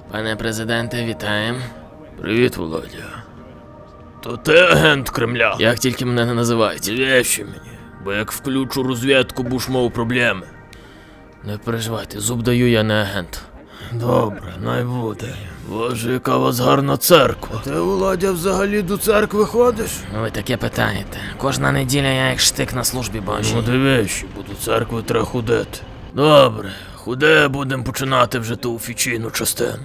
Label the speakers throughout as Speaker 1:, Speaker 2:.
Speaker 1: Пане президенте, вітаємо.
Speaker 2: Привіт, Володя. То ти агент Кремля?
Speaker 1: Як тільки мене не називають.
Speaker 2: Вещи мені, бо як включу розвідку, будеш мав проблеми.
Speaker 1: Не переживайте, зуб даю, я не агент.
Speaker 2: Добре, най буде. Боже, яка у вас гарна церква. Ти, Володя, взагалі до церкви ходиш?
Speaker 1: Ви таке питаєте. Кожна неділя я як штик на службі Божій.
Speaker 2: Ну дивись, бо до церкви треба ходити. Добре, ходи, будемо починати вже ту офіційну частину.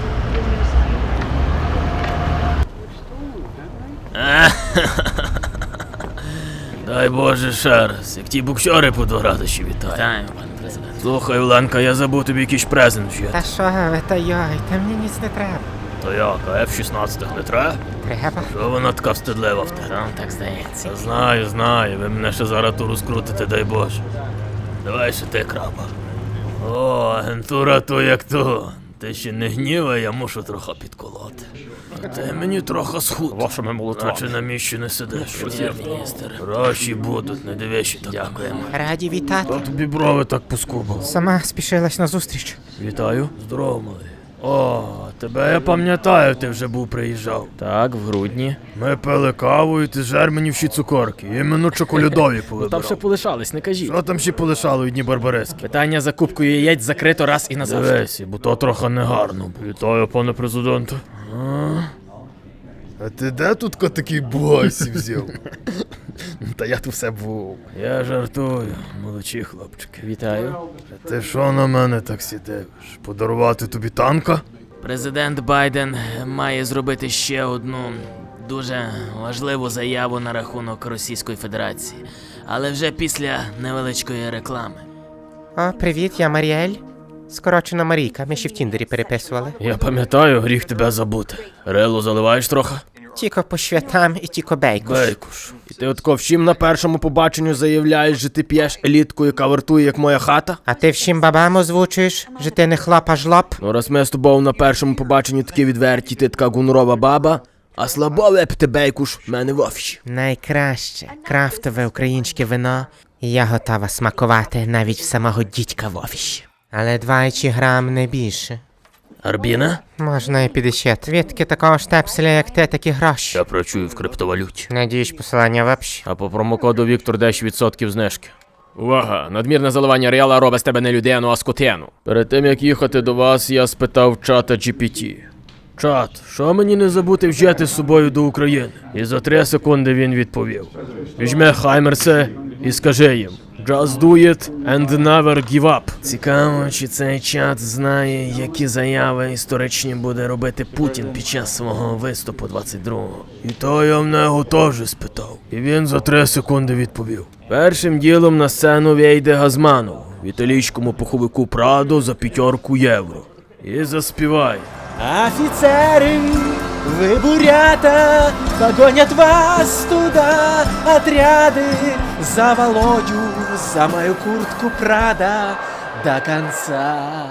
Speaker 2: Дай Боже ще раз, як ті боксери по 2 радощі вітаю.
Speaker 1: Вітаю, пане президент.
Speaker 2: Слухай, Оленка, я забув тобі якийсь презент вже.
Speaker 3: Та що ви, та йой, та мені ніц не треба.
Speaker 2: То як, а F-16 не треба?
Speaker 3: Треба?
Speaker 2: Що вона така встидлива в тебе?
Speaker 1: Вам так здається.
Speaker 2: Та знаю, ви мене ще зараз ту розкрутите, дай Боже. Давай ще ти, краба. О, агентура то як то. Ти ще не гнівай, я мушу трохи підколоти. А ти мені трохи схуд.
Speaker 4: Вашими молитвами.
Speaker 2: Наче на місці не сидиш.
Speaker 1: Є, міністр.
Speaker 2: Гроші будуть, не дивишся так.
Speaker 1: Дякуємо.
Speaker 3: Раді вітати.
Speaker 2: Та тобі брови так поскубали.
Speaker 3: Сама спішилась на зустріч.
Speaker 2: Вітаю. Здорово, малий. О, тебе я пам'ятаю, ти вже був приїжджав.
Speaker 1: Так, в грудні.
Speaker 2: Ми пили каву і ти жер мені всі цукорки. Іменно чоколядові повибирав.
Speaker 4: Там ще полишались, не кажіть.
Speaker 2: Що там ще полишало одні барбарески?
Speaker 4: Питання за кубкою яєць закрито раз і назавжди.
Speaker 2: Дивись, бо то трохи негарно. Вітаю, пане президенте. А ти де тут такий бойсі взяв?
Speaker 4: Та я тут все був.
Speaker 2: Я жартую, молодші хлопчики.
Speaker 1: Вітаю.
Speaker 2: Ти що на мене так сидиш? Подарувати тобі танка?
Speaker 1: Президент Байден має зробити ще одну дуже важливу заяву на рахунок Російської Федерації. Але вже після невеличкої реклами.
Speaker 3: О, привіт, я Маріель. Скорочена Марійка, ми ще в Тіндері переписували.
Speaker 2: Я пам'ятаю, гріх тебе забути. Релу заливаєш трохи?
Speaker 3: Тіко по святам і тіко бейкуш.
Speaker 2: Бейкуш.
Speaker 4: І ти отко всім на першому побаченню заявляєш, що ти п'єш елітку, яка вартує, як моя хата?
Speaker 3: А ти всім бабам озвучуєш, що ти не хлоп, а жлоб?
Speaker 4: Ну раз ми з тобою на першому побаченні такі відверті, ти така гонорова баба, а слабо випити бейкуш в мене в офісі.
Speaker 3: Найкраще крафтове українське вино, і я готова смакувати навіть в самого дідька в офісі. Але 20 грам не більше.
Speaker 2: Арбіна?
Speaker 3: Можна і 50. Відки такого штепселя, як ти, такі гроші.
Speaker 2: Я працюю в криптовалюті.
Speaker 3: Надіюсь, посилання в описі.
Speaker 4: А по промокоду Віктор 10% знижки. Увага! Надмірне заливання реала робить з тебе не людину, а скотину.
Speaker 2: Перед тим, як їхати до вас, я спитав чата GPT. Чат, що мені не забути взяти з собою до України? І за 3 секунди він відповів. Візьми Хаймерсе і скажи їм Just do it and never give up. Цікаво, чи цей чат знає, які заяви історичні буде робити Путін під час свого виступу 22-го. І то я в нього теж спитав. І він за 3 секунди відповів. Першим ділом на сцену вийде Газманов в італійському пуховику Прадо за 5 євро. І заспіває.
Speaker 5: Офицеры, вы бурята, погонят вас туда отряды за Володю, за мою куртку Прада до конца.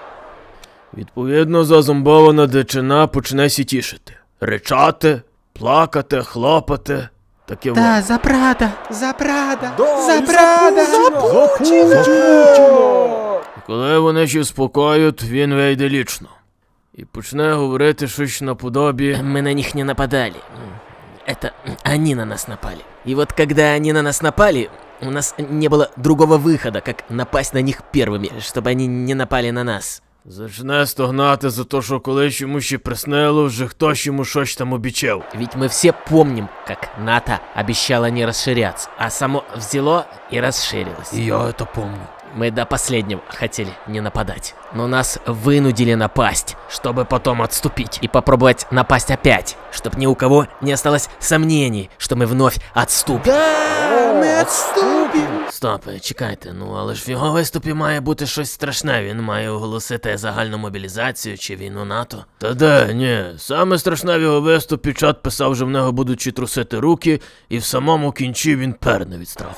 Speaker 2: Відповідно, зазомбована дичина почне сітішити. Ричати, плакати, хлопати. Таке во.
Speaker 3: Та, за Прада, за Прада, за Прада.
Speaker 2: І коли вони ще спокоють, він вийде лічно. І почне говорити щось наподобі.
Speaker 1: Мы на них не нападали. Это они на нас напали. И вот когда они на нас напали, у нас не было другого выхода, как напасть на них первыми, чтобы они не напали на нас.
Speaker 2: Зачне стогнати за те, що колись йому ще приснило, вже хтось йому щось там обіцяв.
Speaker 1: Ведь мы все помним, как НАТО обещало не расширяться, а само взяло и расширилось.
Speaker 2: І я це помню.
Speaker 1: Мы до последнего хотели не нападать, но нас вынудили напасть, чтобы потом отступить и попробовать напасть опять, чтобы ни у кого не осталось сомнений, что мы вновь отступим.
Speaker 5: Мы отступим.
Speaker 1: Стоп, чекайте, ну але ж в його виступі має бути щось страшне, він має оголосити загальну мобілізацію чи війну НАТО.
Speaker 2: Та де, ні. Саме страшне в його виступі чат писав, що в нього будуть чи трусити руки, і в самому кінці він перне від страху.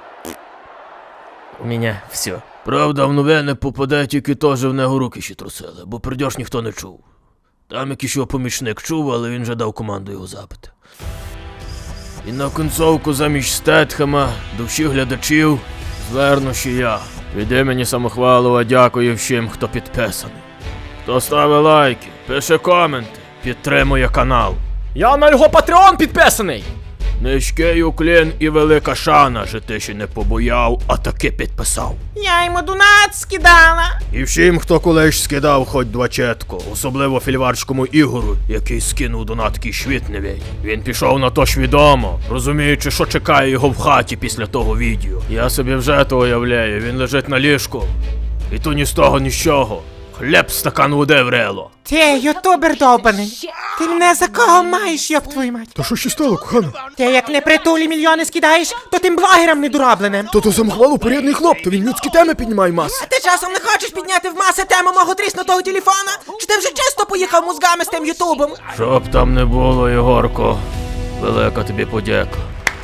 Speaker 1: У меня все.
Speaker 2: Правда, в новини попаде тільки то, що в нього руки ще трусили, бо придьош ніхто не чув. Там якийсь його помічник чув, але він вже дав команду його забити. І на кінцовку замість Стетхема до всіх глядачів зверну ще я. Від імені Самохвалова дякую всім, хто підписаний. Хто ставить лайки, пише коменти, підтримує канал.
Speaker 5: Я на його Patreon підписаний.
Speaker 2: Низький уклін і велика шана, що ти ще не побояв, а таки підписав.
Speaker 3: Я йому донат скидала.
Speaker 2: І всім, хто колись скидав хоч двачетку, особливо фільварському Ігору, який скинув донаткий швітневій. Він пішов на то свідомо, розуміючи, що чекає його в хаті після того відео. Я собі вже то уявляю, він лежить на ліжку. І то ні з того, ні з чого. Хліб, стакан води врело.
Speaker 3: Ти, ютубер довбаний. Ти мене за кого маєш, йоб твою мать?
Speaker 2: Та що ще стало, кохана?
Speaker 3: Ти як не притулі мільйони скидаєш, то тим блогерам недоробленим.
Speaker 2: То самохвалу порядний хлоп, то він людські теми піднімає мас.
Speaker 3: Ти часом не хочеш підняти в маси тему мого тріснутого телефона? Чи ти вже чисто поїхав мозгами з тим ютубом?
Speaker 2: Щоб там не було, Єгорко, велика тобі подяка.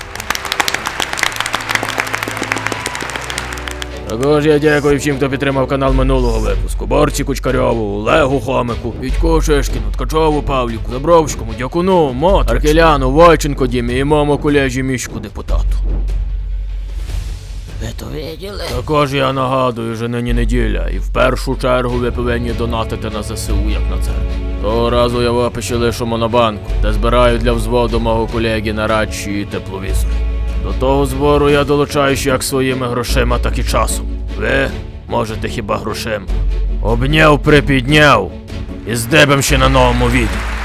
Speaker 2: Також я дякую всім, хто підтримав канал минулого випуску. Борці Кучкарьову, Олегу Хомику, Вітьку Шишкіну, Ткачову Павліку, Забровському, Дякуну, Мот, Аркеляну, Войченко Дімі і моєму колежі Мішку депутату.
Speaker 1: Ви то виділи?
Speaker 2: Також я нагадую, що нині неділя, і в першу чергу ви повинні донатити на ЗСУ, як на це. Того разу я в описі лишу монобанку, де збираю для взводу мого колеги на радші і тепловізори. До того збору я долучаюсь як своїми грошима, так і часом. Ви можете хіба грошима. Обняв, припідняв і здебем ще на новому відео.